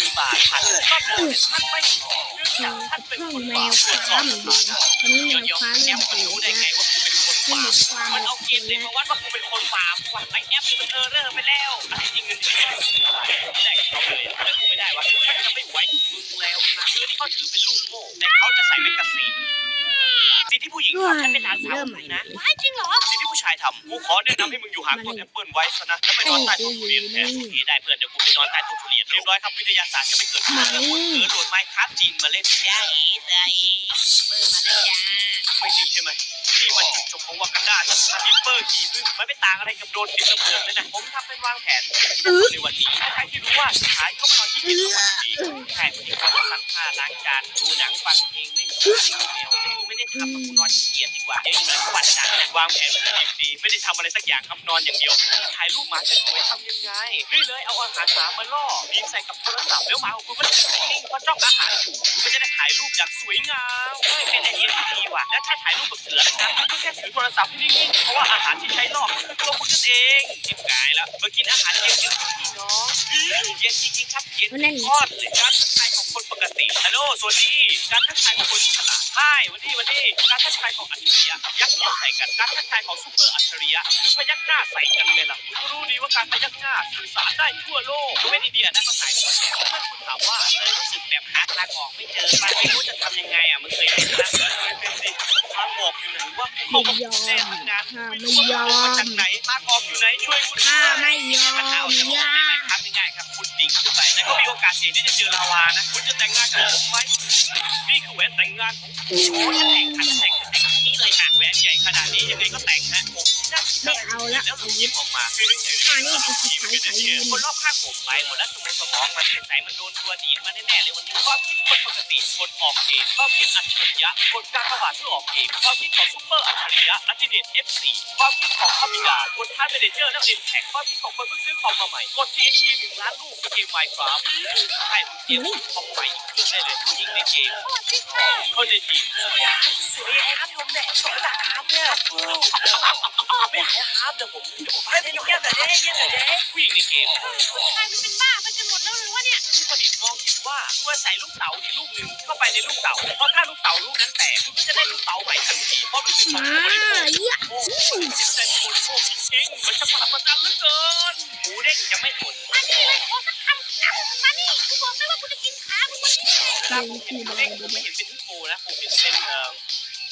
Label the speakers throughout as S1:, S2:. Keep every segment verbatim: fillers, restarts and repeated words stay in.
S1: บาทท่านก็บอกท่านไม่พอเนื่องจากท่านเป็นคนบาปตรวจสอบทุกอย่างเดี๋ยวเดี๋ยวแอปมันรู้ได้ไงว่ากูเป็นคนบาปมันเอาเกณฑ์ไหนมาวัดว่ากูเป็นคนบาปวะไอแอปมันเออเรอร์ไปแล้วจริงเงินที่ไม่ได้เขาเลยแต่กูไม่ได้วะท่านจะไม่ไหวมึงแล้วนะคือที่เขาถือเป็นลูกโม่แต่เขาจะใส่เป็นกระสีสิ่งที่ผู้หญิงทำให้เป็นหลานสาวมึงนะไม่จริงเหรอสิ่งที่ผู้ชายทำกูขอแนะนำให้มึงอยู่ห่างต้นแอปเปิลไว้ซะนะแล้วไปนอนใต้ต้นทุเรียนแทนโอเคได้เพื่อนเดี๋ยวกูไปนอนใต้ต้นทุเรียนเรียบร้อยครับวิทยาศาสตร์จะไม่เกิดขึ้นแล้วคนเออโหลดไมค์ครับจีนมาเล่นจ้าอีได้เปิดมาเลยจ้าไม่จริงใช่ไหมนี่มันจุดจบของวากันดาชัดนิปเปอร์ขี่พึ่งมันไม่ต่างอะไรกับโดนติดระเบิดเลยนะผมทำเป็นวางแผนในวันนี้ใครที่รู้ว่าสุดท้ายก็มานอนที่กินทุกวันดีใช่ผู้หญิงก็จะซักผ้าล้างจานดูหนังฟังเพลงเล่นกับแมวไม่ได้ทำกับกูนอนขี้เกียจดีกว่าเดี๋ยวอีกหน่อยก็วันจันทร์วางแผนเป็นดีไม่ได้ทำอะไรสักอย่างครับนอนอย่างเดียวถ่ายรูปหมาสวยๆทำยังไงนี่เลยเอาอาหารหมามาล่อยิงใส่กับโทรศัพท์แล้วหมาของคุณก็จะนิ่งๆเพราะจ้องอาหารอยู่ก็จะได้ถ่ายรูปอย่างสวยงามเฮ้ยเป็นไอเดียที่ดีว่ะและถ้าถ่ายรูปกับเสือนะครับก็แค่ถือโทรศัพท์ให้นิ่งๆเพราะว่าอาหารที่ใช้ล่อคือตัวคุณนั่นเองจิบกายแล้วมากินอาหารเย็นๆพี่น้องเย็นจริงๆครับเย็นทอดเลยการทักทายของคนปกติฮัลโหลสวัสดีการทักทายของคนฉลาดใช่วันนี้วันนี้การทักทายของอัจฉริยะยักษ์เขียวใส่กันการทักทายของซุปเปอร์อัจฉริยะคือพยักหน้าใส่กันเลยล่ะคุณรู้ดีว่าการพยักหน้าสื่อสารได้ทั่วโลกไม่ได้เดียนะก็สายหัวแฉกเมื่อคุณถามว่าเคยรู้สึกแบบหาทางออกไม่เจอมันไม่รู้จะทำยังไงอ่ะมึงเคยเป็นนะเป็นสิทางออกอยู่ไหนวะเขาก็เล่นงานไม่รู้ว่ามาจากไหนทางออกอยู่ไหนช่วยคุณด้วยไม่ยอมปัญหาออกจากออกได้ไหมครับง่ายๆครับคุณดิ่งขึ้นไปแต่ก็มีโอกาสเสี่ยงที่จะเจอลาวานะคุณจะแต่งงานกับผมไหมนี่คือแหวนแต่งงานของผมโอ้จะแต่งขันแต่งแต่งนี้เลยค่ะแหวนใหญ่ขนาดนี้ยังไงก็แต่งฮะผมไม่เอาละแล้วยิ้มออกมาคือไม่ใช่อันนี้คือสุดท้ายค่ะยืนคนรอบข้างผมไปหมดแล้วสมองสมองมันเป็นสายมันโดนตัวดีดมาแน่ๆเลยวันนี้ความคิดคนปกติคนออกเกมความคิดอัจฉริยะคนกล้าเข้ามาเพื่อออกเกมความคิดของซุปเปอร์อัจฉริยะอัจฉริยะ เอฟ โฟร์ ความคิดของคามิกาคนท่าเมเนเจอร์และเอ็นแท็กความคิดของคนเพิ่งซื้อคอมมาใหม่กด ที เอ็น ที หนึ่งล้านลูกในเกม Minecraft ใช่ผมเตรียมคอมใหม่อีกเครื่องได้เลยผู้หญิงในเกมคนในทีมสวยสวยครับผมแดดสวยจากครับเนี่ยไม่หายครับเดี๋ยวผมเดี๋ยวผมให้เยี่ยมแต่เด้เยี่ยมแต่เด้ผู้หญิงในเกมใครมันเป็นบ้าไปจนหมดแล้วหรือว่าเนี่ยผู้ผลิตมองเห็นว่าเมื่อใส่ลูกเต๋าในลูกหนึ่งเข้าไปในลูกเต๋าเพราะถ้าลูกเต๋าลูกนั้นแตกคุณก็จะได้ลูกเต๋าใหม่ทันทีเพราะรู้สึกของผู้บริโภคโอ้จิตใจผู้บริโภคจริงๆมันจะมหัศจรรย์เหลือเกินหมูเด้งจะไม่ทนมานี่เลยขอสักคำนะมานี่กูบอกเลยว่ากูจะกินขามึงวันนี้ครับผมเห็นหมูเด้งผมไม่เห็นเป็นฮิปโปนะผมเห็นเป็นเอ่อ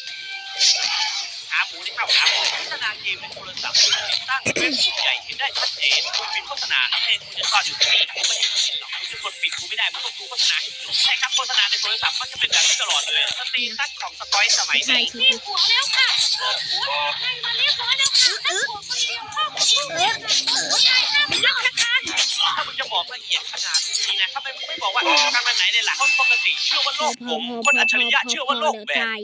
S1: ขาหมูที่เข้าขาโฆษณาเกมในโทรศัพท์ติดตั้งเว็บสุดใหญ่เห็นได้ชัดเจนคุณปิดโฆษณาแทนคุณจะซ่อนอยู่ที่นี่คุณไม่ให้คุณเห็นหรอกคุณจะกดปิดคุณไม่ได้มันต้องดูโฆษณาให้จบใช่ครับโฆษณาในโทรศัพท์มันจะเป็นแบบนี้ตลอดเลยสตรีทัชของสกอยสมัยนี้มีหัวแล้วค่ะหัวให้มาเรียบร้อยแล้วค่ะหัวคนเดียวพ่อคนเดียวหัวใจห้ามยักนะคะถ้ามึงจะบอกละเอียดขนาดนี้นะทำไมมึงไม่บอกว่าการวันไหนเนี่ยล่ะคนปกติเชื่อว่าโลกผมคนอัจฉริยะเชื่อว่าโลกแบบ